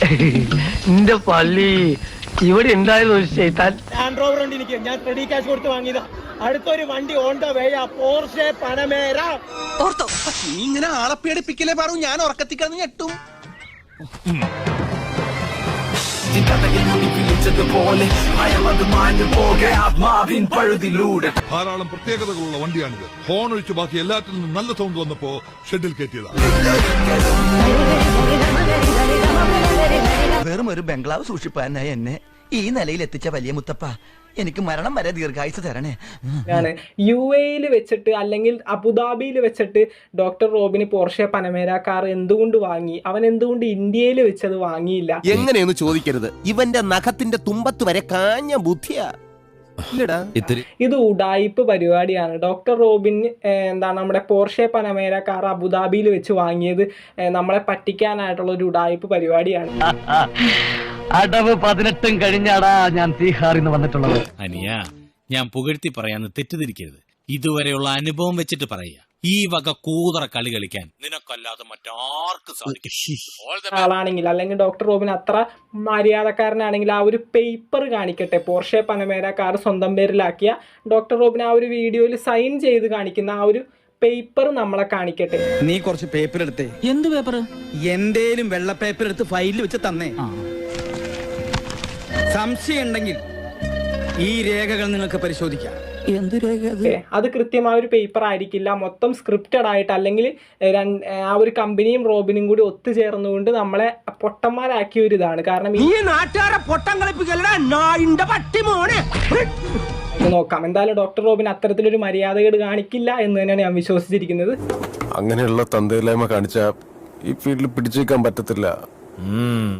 എന്റെ പള്ളി ഇവിടെ ഉണ്ടായിരുന്നു ഒരു ചെയ്താൽ. ലാൻഡ് റോവർ ഉണ്ട് എനിക്ക്, ഞാൻ റെഡി ക്യാഷ് കൊടുത്ത് വാങ്ങിയതാ. അടുത്തൊരു വണ്ടി on the way, Porsche Panamera. നീ ഇങ്ങനെ ആളെ പേടിപ്പിക്കലേ പറഞ്ഞു, ഞാൻ ഉറക്കത്തിക്കാന്ന് ഞെട്ടും. ധാരാളം പ്രത്യേകതകളുള്ള വണ്ടിയാണിത്. ഹോൺ ഒഴിച്ച് ബാക്കി എല്ലാത്തിൽ നിന്നും നല്ല സൗണ്ട് വന്നപ്പോ ഷെഡിൽ കയറ്റിയതാണ്. വെറും ഒരു ബംഗ്ലാവ് സൂക്ഷിപ്പാനായി എന്നെ ഈ നിലയിൽ എത്തിച്ച വലിയ മുത്തപ്പ, എനിക്ക് മരണം വരെ ദീർഘായുസ് തരണേ. UAE വെച്ചിട്ട് അല്ലെങ്കിൽ അബുദാബിയിൽ വെച്ചിട്ട് ഡോക്ടർ റോബിന് പോർഷെ പനമേര കാർ എന്തുകൊണ്ട് വാങ്ങി? അവൻ എന്തുകൊണ്ട് ഇന്ത്യയിൽ വെച്ചത് വാങ്ങിയില്ല? എങ്ങനെയൊന്ന് ചോദിക്കരുത്, ഇവന്റെ നഖത്തിന്റെ തുമ്പത്ത് വരെ കാഞ്ഞ ബുദ്ധിയാ. ഇത് ഉഡായിപ്പ് പരിപാടിയാണ്. ഡോക്ടർ റോബിൻ നമ്മുടെ പോർഷെ പനമേര കാർ അബുദാബിയിൽ വെച്ച് വാങ്ങിയത് നമ്മളെ പറ്റിക്കാനായിട്ടുള്ള ഒരു ഉഡായിപ്പ് പരിപാടിയാണ്. അടവ് 18 കഴിഞ്ഞാടാ ഞാൻ തീഹാറിന്ന് വന്നിട്ടുള്ളത്. അനിയ, ഞാൻ പുകഴ്ത്തി പറയാന്ന് തെറ്റിദ്ധരിക്കരുത്. ഇതുവരെയുള്ള അനുഭവം വെച്ചിട്ട് പറയുക, ഈ വക കൂതറ കളി കളിക്കാൻ നിനക്കല്ലാതെ മറ്റാർക്കും സാധിക്കും. ആളാണെങ്കിൽ അല്ലെങ്കിൽ ഡോക്ടർ റോബിൻ അത്ര മര്യാദക്കാരനാണെങ്കിൽ ആ ഒരു പേപ്പർ കാണിക്കട്ടെ. പോർഷെ പനമേര കാർ സ്വന്തം പേരിലാക്കിയ ഡോക്ടർ റോബിൻ ആ ഒരു വീഡിയോയിൽ സൈൻ ചെയ്ത് കാണിക്കുന്ന ആ ഒരു പേപ്പർ നമ്മളെ കാണിക്കട്ടെ. നീ കുറച്ച് പേപ്പർ എടുത്തേ. എന്ത് പേപ്പർ? എന്തേലും വെള്ള പേപ്പർ എടുത്ത് ഫയലിൽ വെച്ച് തന്നേ. സംശയം ഉണ്ടെങ്കിൽ ഈ രേഖകൾ നിങ്ങൾക്ക് പരിശോധിക്കാം. എന്ത് രേഖ? അത് കൃത്യമായ ഒരു പേപ്പർ ആയിരിക്കില്ല, മൊത്തം സ്ക്രിപ്റ്റഡ് ആയിട്ട് അല്ലെങ്കിൽ ആ ഒരു കമ്പനിയും റോബിനും കൂടി ഒത്തുചേർന്നുകൊണ്ട് നമ്മളെ പൊട്ടന്മാരാക്കിയ ഒരു ഇതാണ്. കാരണം നോക്കാം, എന്തായാലും ഡോക്ടർ റോബിൻ അത്തരത്തിലൊരു മര്യാദകേട് കാണിക്കില്ല എന്ന് തന്നെയാണ് ഞാൻ വിശ്വസിച്ചിരിക്കുന്നത്. അങ്ങനെയുള്ള തന്തയില്ലായ്മ കാണിച്ച ഈ ഫീൽഡിൽ പിടിച്ചേക്കാൻ പറ്റത്തില്ല.